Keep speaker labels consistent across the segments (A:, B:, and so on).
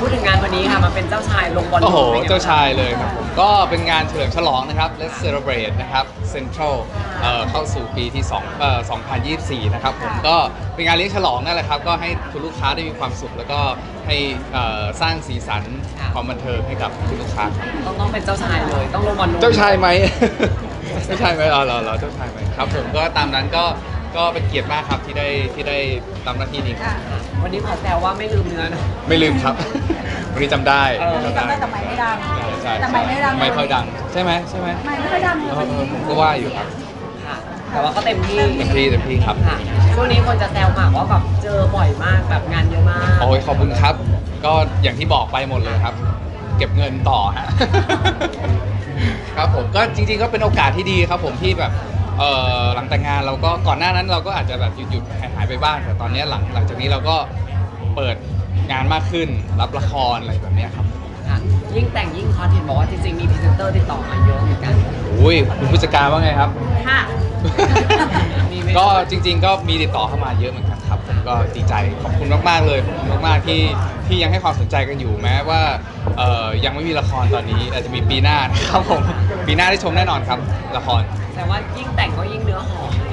A: พูดถึงงานวันนี้ค่ะมาเป็นเจ้าชายลงบอล
B: โอ้โห
A: ป็นไงบ้ง
B: เจ้าชายเลยครับผมก็เป็นงานเฉลิมฉลองนะครับ Let's Celebrate นะครับ Central เข้าสู่ปีที่2024 นะครับผมก็เป็นงานเลี้ยงฉลองนั่นแหละครับก็ให้คุณลูกค้าได้มีความสุข แล้วก็ให้สร้างสีสันความบันเทิงให้กับคุณลูกค้าครับ
A: ต้องเป็นเจ้าชายเลยต้องลงบอล
B: เจ้าชายไหม เจ้าชายไหมเหรอเจ้าชายไหมครับผมก็ตามนั้นก็เป็นเกียรติมากครับที่ได้ทำหน้าที่นี้ครับ
A: วันนี้ขอแซวว่าไม่ลืมเนื้อนะ
B: ไม่ลืมครับ วันนี้จำได้
C: จำได้แต่ไม่ดัง
B: ใช่
C: แต่ไม่ดัง
B: ไม่ค่อยดังใช่ไหม
C: ไม่ค่อยดังเลย
B: ผมก็ว่าอยู่ครับ
A: ค่ะแต่ว่าก็เต็มที่
B: เต็มที่ครับ
A: ค่ะช่วงนี้คนจะแซวหมากว่าแบบเจอบ่อยมากแบบงานเยอะมาก
B: โอ้ยขอบคุณครับ ก็อย่างที่บอกไปหมดเลยครับ เก็บเงินต่อฮะ ครับผมก็จริงๆก็เป็นโอกาสที่ดีครับผมที่แบบหลังแต่งงานเราก็ก่อนหน้านั้นเราก็อาจจะแบบหยุดหายไปบ้างแต่ตอนนี้หลังจากนี้เราก็เปิดงานมากขึ้นรับละครอะไรแบบเนี้ยครับ
A: ค่ะยิ่งแต่งยิ่งฮอตเห็นบอกว่าจริงๆมีพรีเซนเตอร์ติดต่อมาเยอะเหมือนกัน
B: อุ้ยคุณผู้จัดการว่าไงครับ
A: ค่ะ มีไหม
B: ก็จริงๆก็มีติดต่อเข้ามาเยอะเหมือนกันครับผมก็ดีใจขอบคุณมากๆเลยขอบคุณมากๆที่ยังให้ความสนใจกันอยู่แม้ว่ายังไม่มีละครตอนนี้อาจจะมีปีหน้านะครับผมปีหน้าได้ชมแน่นอนครับละคร
A: แต่ว่ายิ่งแต่งก็ยิ่งเนื้อหอม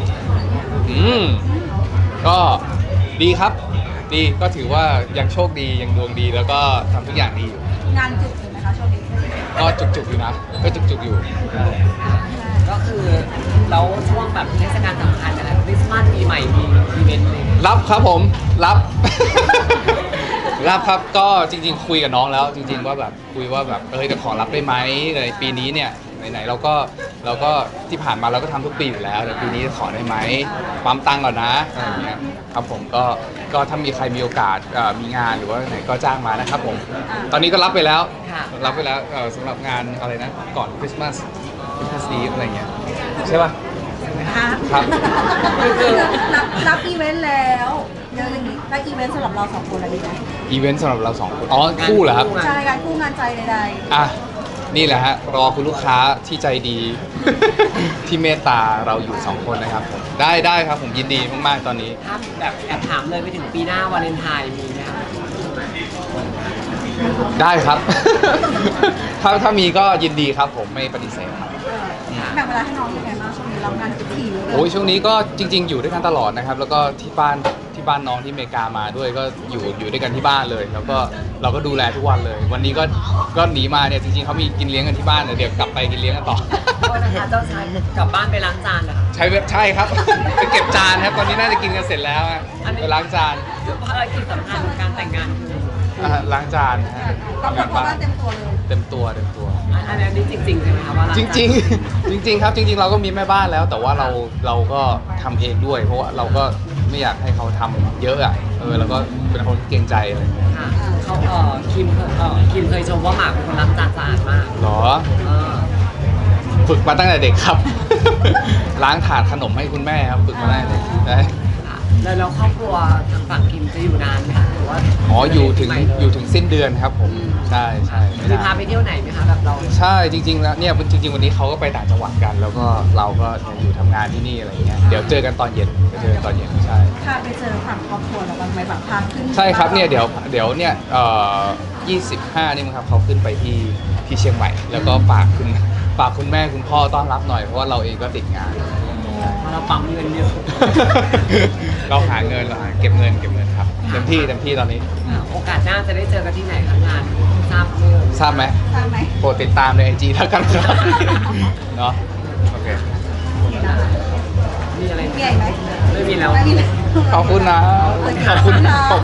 B: ก็ดีครับดีก็ถือว่ายังโชคดียังดวงดีแล้วก็ทำทุกอย่างดีอยู่
C: งานจุกอยู่นะคะช่วงนี้
B: ก็จุกๆอยู่นะก็จุกๆอยู่
A: ก็คือแล้วช่วงแบบเทศกาลสำคัญอะไรคริสต์มาสปีใหม่มีอีเวนต์เลย
B: รับครับผมรับ รับครับก็จริงๆคุยกับน้องแล้วจริงๆว่าแบบคุยว่าแบบจะขอรับได้ไหมในปีนี้เนี่ยไหนๆเราก็ที่ผ่านมาเราก็ทำทุกปีอยู่แล้วแต่ปีนี้ขอได้ไหมปั๊มตังค์ก่อนนะอะไรอย่างเงี้ยครับผมก็ถ้ามีใครมีโอกาสมีงานหรือว่าไหนก็จ้างมานะครับผมตอนนี้ก็รับไปแล้วรับไปแล้วสำหรับงานอะไรนะก่อนคริสต์มาสดีอะไรเงี้ยใช่ป่ะ ครับ
C: รับอีเวนต์แล้วเยอะอย่างนี้แล้วอีเวนต์สำหรับเราสองคนอะไรดีนะ
B: อีเวนต์สำหรับเราสองคนอ๋อคู่เหรอครับ
C: ใช่การคู่งานใจใด
B: อ่ะนี่แหละฮะรอคุณลูกค้าที่ใจดี ที่เมตตาเราอยู่สองคนนะครับผมได้ครับผมยินดีมากๆตอนนี้
A: ถ้าแบบแอบถามเลยไปถึงปีหน้าวาเลนไทน์มีไหมคะ
B: ได้ครับ ถ้ามีก็ยินดีครับผมไม่ปฏิเสธครับ
C: ๆแบ่งเวลาให้น้องยังไงบ้างช่วงนี้รับงานทุกทีเลย
B: โอ้ยช่วงนี้ก็จริง ๆ อยู่ด้วยกันตลอดนะครับ แล้วก็ที่บ้านน้องที่อเมริกามาด้วยก็อยู่ด้วยกันที่บ้านเลย แล้วก็เราก็ดูแลทุกวันเลย วันนี้ก็หนีมาเนี่ยจริงๆเขามีกินเลี้ยงกันที่บ้านเดี๋ยวกลับไปกินเลี้ยงกันต่อ
A: ก็นะคะเจ้าชายกลับบ้านไปล้างจานเหรอคะ
B: ใช่ครับ ไปเก็บจานครับตอนนี้น่าจะกินกันเสร็จแล้วอะ
A: อันนี้
B: ไปล้างจาน
A: ภารกิจสำคัญของการแต่งงานคือ
B: ล้างจานนะฮะ
C: ต้อง
B: ทำ
C: บอง
B: าก น
C: ว่า
B: บ้าน
C: เต็มตัวเลย
B: เต็มตัว
A: อันนี้จริงๆใช่ไหมคะว่าล้าง
B: จ
A: จาน
B: ริงๆ จริงๆครับจริงๆเราก็มีแม่บ้านแล้ว แต่ว่าเราก็ทำเองด้วย เพราะว่าเราก็ไม่อยากให้เขาทำเยอะอ่ะแล้วก็เป็นคนเกรงใจอะไรอย่างเงี้ย
A: ค่ะเขาคิมเคยชมว่าหมากเป็นคนล้างจานสะอาดมาก
B: หรอ
A: เออ
B: ฝึกมาตั้งแต่เด็กครับ ล้างถาดขนมให้คุณแม่ครับฝึกมาตั้งแต่เด็กใช่
A: ค่ะแล้วครอบครัวทางฝั่งคิมจะอยู่นานไหมคะหรือว่า
B: อ๋ออยู่ถึงสิ้นเดือนครับผมใช่ไม่
A: มี
B: นาน
A: พาไปเที่ยวไหนไหมคะแบบเรา
B: ใช่จริงๆแล้วเนี่ยจริงๆวันนี้เขาก็ไปต่างจังหวัดกัน แล้วก็เราก็อยู่ทำงานที่นี่อะไรอย่างเงี้ยเดี๋ยวเจอกันตอนเย็นใช่
C: พาไปเจอฝั่งครอบครัวแล้วบ้างไหมแบบพาขึ้น
B: ใช่ครับเนี่ยเดี๋ยวเนี่ย25นี่มั้งครับเขาขึ้นไปที่เชียงใหม่ แล้วก็ฝากคุณแม่คุณพ่อต้อนรับหน่อยเพราะว่าเราเองก็ติดงาน
A: เพราะเราปั๊มเงินเยอะ
B: เราหาเงินเก็บเงินครับเต็มที่ตอนนี้
A: โอกาสหน้าจะได้เจอกันที่ไหนคะงานทราบเมื่อ
B: ทราบไหม
C: ทราบไหม
B: โปรดติดตามใน IG แล้วกันครับ เนาะโอเค
A: มีอะไร
C: มีอะไรไหม
A: ไม่มีแล้ว
C: ไม่มีเลย
B: ขอบคุณนะขอบคุณ